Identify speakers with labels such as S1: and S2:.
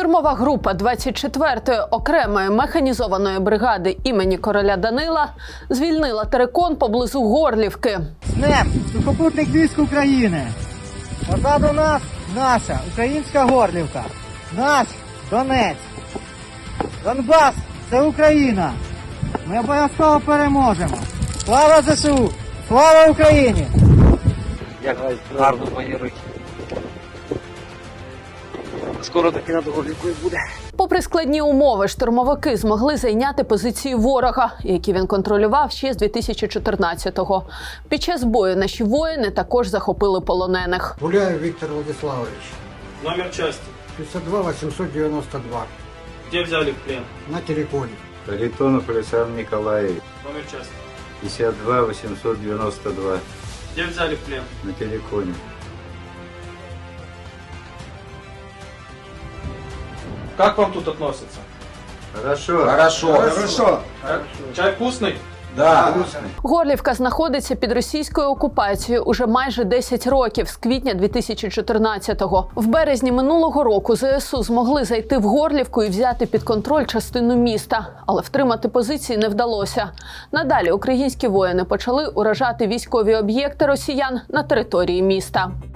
S1: Штурмова група 24-ї окремої механізованої бригади імені короля Данила звільнила терикон поблизу Горлівки.
S2: СНЕП – сухопутних військ України. Позаду нас наша українська Горлівка. Наш Донець. Донбас – це Україна. Ми обов'язково переможемо. Слава ЗСУ! Слава Україні!
S3: Як гарно мої руки. Скоро таки над Горлівкою буде.
S1: Попри складні умови, штурмовики змогли зайняти позиції ворога, які він контролював ще з 2014-го. Під час бою наші воїни також захопили полонених.
S4: Гуляев Виктор Владиславович,
S5: Номер части.
S4: 52 892,
S5: Где взяли в плен?
S4: на телефоне.
S6: Харитонов Александр Николаевич,
S5: Номер части.
S6: 52 892,
S5: Где взяли в плен?
S6: на телефоне.
S5: Как вам тут относятся?
S6: Хорошо.
S5: Чай вкусный?
S1: Горлівка знаходиться під російською окупацією уже майже 10 років, з квітня 2014-го. В березні минулого року ЗСУ змогли зайти в Горлівку і взяти під контроль частину міста. Але втримати позиції не вдалося. Надалі українські воїни почали уражати військові об'єкти росіян на території міста.